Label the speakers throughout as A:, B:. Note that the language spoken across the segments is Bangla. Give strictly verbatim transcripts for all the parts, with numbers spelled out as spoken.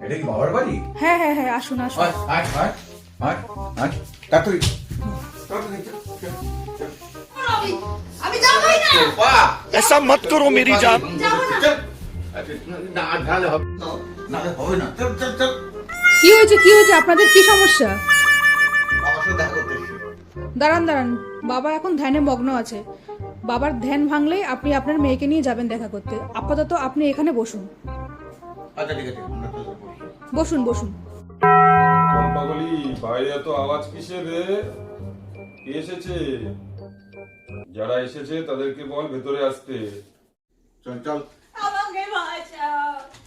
A: এটা কি বাবার বাড়ি?
B: হ্যাঁ হ্যাঁ হ্যাঁ, আসুন আসুন।
A: আয় আয় আয় আয় আয় তাড়াতাড়ি তাড়াতাড়ি চল, চল, চল।
C: আমি আমি যাবই না।
A: বাবা,
D: ऐसा मत करो मेरी जान।
C: যাবো না।
A: চল। আচ্ছা, না নাহলে হবে না, নাহলে হবে না। চল চল চল।
B: কি হয়েছে কি হয়েছে আপনাদের, কি সমস্যা?
A: বাবার সাথে দেখা করতে এসেছি।
B: দাঁড়ান দাঁড়ান, বাবা এখন ধ্যানে মগ্ন আছে। বাবার ধ্যান ভাঙলেই আপনি আপনার মেয়েকে নিয়ে যাবেন দেখা করতে। আপাতত আপনি এখানে বসুন,
A: আচ্ছা ঠিক আছে, আমরা চলে বসি।
B: বসুন বসুন।
E: চম্পাকলি, বাইরে এত আওয়াজ কিসের রে? কে এসেছে? যারা এসেছে তাদেরকে বল ভেতরে আসতে।
A: চল চল।
C: আমাকে বাঁচাও।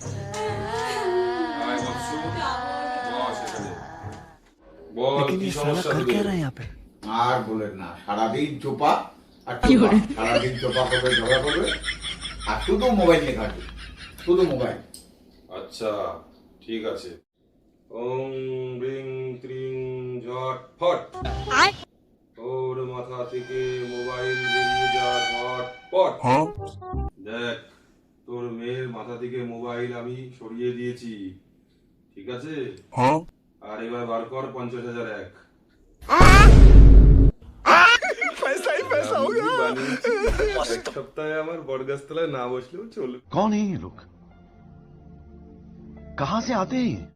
E: আয় বৎসু, বস এখানে। বল
D: लेकिन
E: কি
D: ये साला
E: সমস্যা
D: कर
E: তোদের?
D: क्या रहा है यहाँ पे?
A: আর বলেন না, সারাদিন চোপা আর চোপা, সারাদিন চোপা করবে, ঝগড়া করবে আর শুধু মোবাইল নিয়ে ঘাটবে, শুধু মোবাইল।
E: আচ্ছা ঠিক আছে। ওং রিং ত্রিং ঝট ফট। ওর মাথা থেকে মোবাইল বেরিয়ে যা ঝট পট। দেখ, তোর মেয়ের মাথা থেকে মোবাইল আমি সরিয়ে দিয়েছি, ঠিক আছে? আর এবার বার কর পঞ্চাশ হাজার এক।
D: पैसा ही पैसा हो गया।
E: এক সপ্তাহে আমার বরগাছতলায় না বসলেও চলবে।
D: कौन है ये लोग? कहाँ से आते हैं?